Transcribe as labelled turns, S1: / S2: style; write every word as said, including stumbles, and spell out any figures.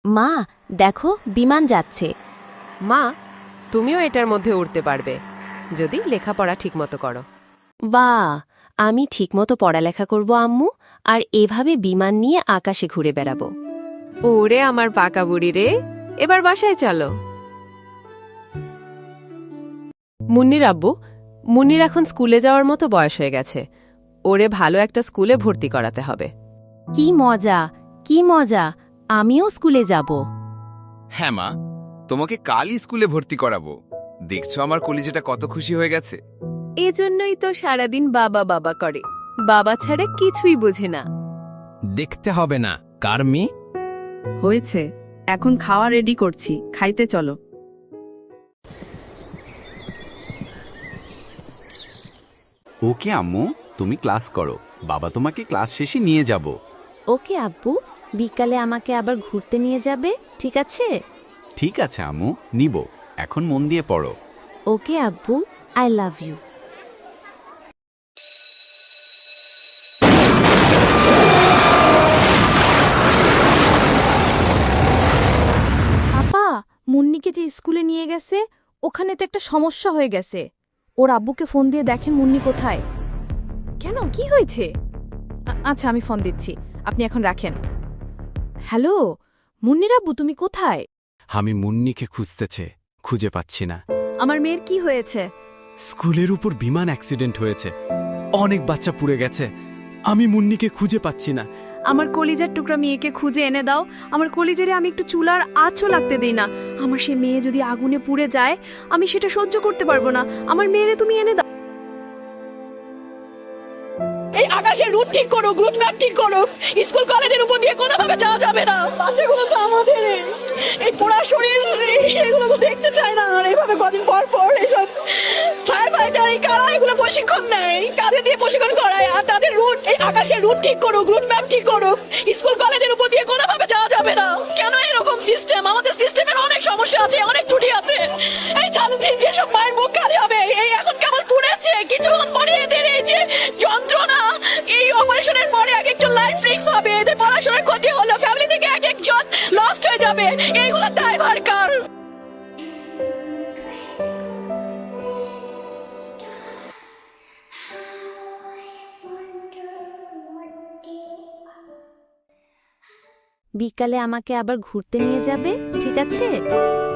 S1: মা, দেখো বিমান যাচ্ছে।
S2: মা, তুমিও এটার মধ্যে উড়তে পারবে যদি লেখাপড়া ঠিকমতো করো।
S1: বাহ, আমি ঠিকমতো পড়ালেখা করব আম্মু, আর এভাবে বিমান নিয়ে আকাশে ঘুরে বেড়াবো।
S2: ওরে আমার পাকা বুড়ি রে, এবার বাসায় চলো। মুন্নির আব্বু, মুন্নির এখন স্কুলে যাওয়ার মতো বয়স হয়ে গেছে। ওরে ভালো একটা স্কুলে ভর্তি করাতে হবে।
S1: কি মজা, কি মজা, আমিও স্কুলে যাব।
S3: হ্যাঁ মা, তোমাকে কালই স্কুলে ভর্তি করাবো। দেখছো আমার কলিজাটা কত খুশি হয়ে গেছে।
S2: এজন্যই তো সারাদিন বাবা বাবা করে, বাবা ছাড়া কিছুই বোঝে না।
S4: দেখতে হবে না কার মেয়ে।
S5: হয়েছে, এখন খাওয়া রেডি করছি, খাইতে চলো।
S3: ওকে আম্মু, তুমি ক্লাস করো, বাবা তোমাকে ক্লাস শেষে নিয়ে যাব।
S1: ওকে আব্বু, বিকালে আমাকে আবার ঘুরতে নিয়ে যাবে, ঠিক আছে?
S3: ঠিক আছে আম্মু, নিব। এখন মন দিয়ে পড়ো।
S1: ওকে আব্বু, আই লাভ ইউ।
S6: আপা, মুন্নিকে যে স্কুলে নিয়ে গেছে ওখানে তো একটা সমস্যা হয়ে গেছে। ওর আব্বুকে ফোন দিয়ে দেখেন মুন্নি কোথায়। কেন, কি হয়েছে? আ- আচ্ছা, আমি ফোন দিচ্ছি, আপনি এখন রাখেন। হ্যালো মুন্নির আব্বু, তুমি কোথায়?
S4: আমি মুন্নিকে খুঁজতেছে, খুঁজে পাচ্ছি না।
S6: আমার মেয়ের কি হয়েছে?
S4: স্কুলের উপর বিমান অ্যাক্সিডেন্ট হয়েছে, অনেক বাচ্চা পুড়ে গেছে। আমি মুন্নিকে খুঁজে পাচ্ছি না।
S6: আমার কলিজার টুকরা মেয়েকে খুঁজে এনে দাও। আমার কলিজারে আমি একটু চুলার আঁচও লাগতে দেই না। আমার সে মেয়ে যদি আগুনে পুড়ে যায়, আমি সেটা সহ্য করতে পারবো না। আমার মেয়েরে তুমি এনে দাও।
S7: এই আকাশের রুট ঠিক করুক, রুট ম্যাপ ঠিক করুক। স্কুল কলেজের উপর দিয়ে কোনোভাবে যাওয়া যাবে না। বাচ্চাগুলো তো আমাদের, এই পোড়া শরীর এগুলো তো দেখতে চায় না। আর এইভাবে কদিন পর পর এইসব ফায়ার ফাইটার এই কারা এগুলো প্রশিক্ষণ নেয়, কাঁধে দিয়ে প্রশিক্ষণ করায়। আর তাদের রুট, এই আকাশের রুট ঠিক করুক, রুট ম্যাপ ঠিক করুক। স্কুল কলেজের উপর দিয়ে কোনোভাবে যাওয়া যাবে না। কেন এরকম সিস্টেম? আমাদের সিস্টেমের অনেক সমস্যা আছে, অনেক ত্রুটি আছে। এই জানছি যেসব মায়ের মুখ খালি হবে, এই এখন কেমন পুড়েছে, কিছুক্ষণ পরে এদের এই যে যন্ত্রণা, এই অপারেশনের পরে এক একজন লাইফ রিস্ক হবে। এদের পড়াশোনার ক্ষতি হলো, ফ্যামিলি থেকে এক একজন লস্ট হয়ে যাবে। এইগুলো দায়ভার কার?
S1: বিকালে আমাকে আবার ঘুরতে নিয়ে যাবে, ঠিক আছে?